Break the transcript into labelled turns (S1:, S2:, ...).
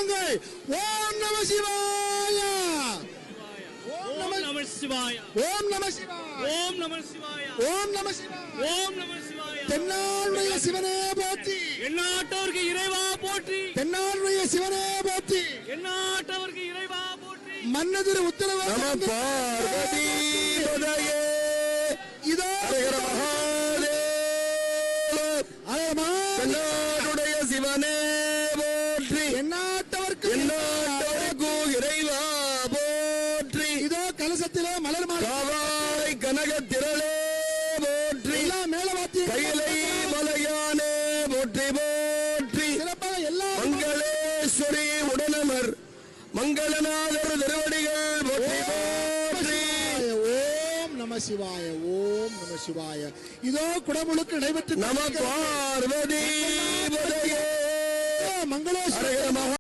S1: சொல்லுங்கள். ஓம் நம சிவாய.
S2: ஓம் நம சிவாய.
S1: ஓம் நம சிவாய.
S2: ஓம் நம சிவாய.
S1: ஓம் நம சிவாய.
S2: ஓம் நம சிவாய.
S1: தென்னாளுடைய சிவனே போற்றி.
S2: எந்நாட்டவர்க்கு இறைவா போற்றி.
S1: தென்னாளுடைய சிவனே போற்றி.
S2: எந்நாட்டவர்க்கு இறைவா போற்றி.
S1: மன்னதிரு உத்தரவு பார்வதி பதையே. இதோ
S3: தென்னாடுடைய சிவனே போற்றி.
S1: எந்நாட்டவர்க்கு
S3: இறைவா போற்றி.
S1: இதோ கலசத்திலே மலர்
S3: காவாய் கனக திரளே போற்றி.
S1: மேலவாத்திய
S3: கையிலை மலையானே போற்றி போற்றி.
S1: சிறப்பாக எல்லா
S3: மங்களேஸ்வரி உடனமர் மங்களநாதர் திருவடிகள் போற்றி போற்றி.
S1: ஓம் நம சிவாய. ஓம் நம சிவாய. இதோ குடமுழுக்கு நடைபெற்று
S3: நம பார்வதி பதையே.
S1: மங்களேஸ்வர